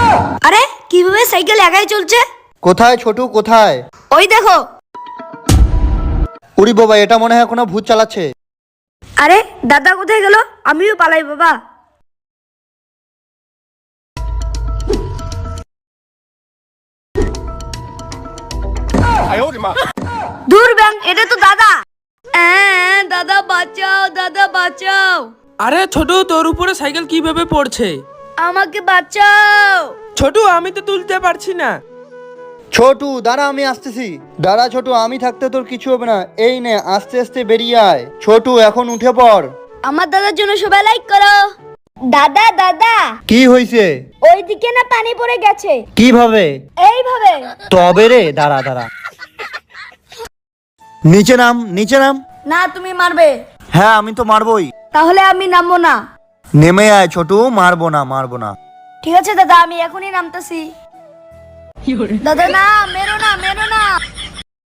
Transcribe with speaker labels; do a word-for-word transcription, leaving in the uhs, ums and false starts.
Speaker 1: আরে কিভাবে সাইকেল একাই চলছে?
Speaker 2: কোথায় ছোটু কোথায়?
Speaker 1: ওই দেখো।
Speaker 2: উরি বাবা, এটা মনে হয় কোনো ভূত চালাচ্ছে।
Speaker 1: আরে দাদা কোথায় গেল? আমিও পালাই বাবা। দূর ব্যাং, এটা তো দাদা। আহ, দাদা বাঁচাও, দাদা বাঁচাও।
Speaker 3: আরে ছোটু, তোর উপরে সাইকেল কিভাবে পড়ছে?
Speaker 1: আমাকে বাঁচাও।
Speaker 3: ছোটু, আমি তো তুলতে পারছি না।
Speaker 2: ছোটু দাঁড়া, আমি আসতেছি। দাঁড়া ছোটু, আমি থাকতে তোর কিছু হবে না। এই নে, আস্তে আস্তে বেরিয়ে আয়। ছোটু এখন উঠে পড়।
Speaker 1: আমার দাদার জন্য সবাই লাইক করো। দাদা দাদা,
Speaker 2: কি হয়েছে?
Speaker 1: ওইদিকে না পানি পড়ে গেছে।
Speaker 2: কিভাবে?
Speaker 1: এইভাবে।
Speaker 2: তবে রে, দাঁড়া দাঁড়া, নিচে নাম, নিচে নাম।
Speaker 1: না, তুমি মারবে।
Speaker 2: হ্যাঁ, আমি তো মারবই।
Speaker 1: তাহলে আমি নামবো না।
Speaker 2: নেমে আয় ছোটু, মারবো না মারবো না।
Speaker 1: ঠিক আছে দাদা, আমি এখনই নামতেছি। দাদা না, মেরো না, মেরো না।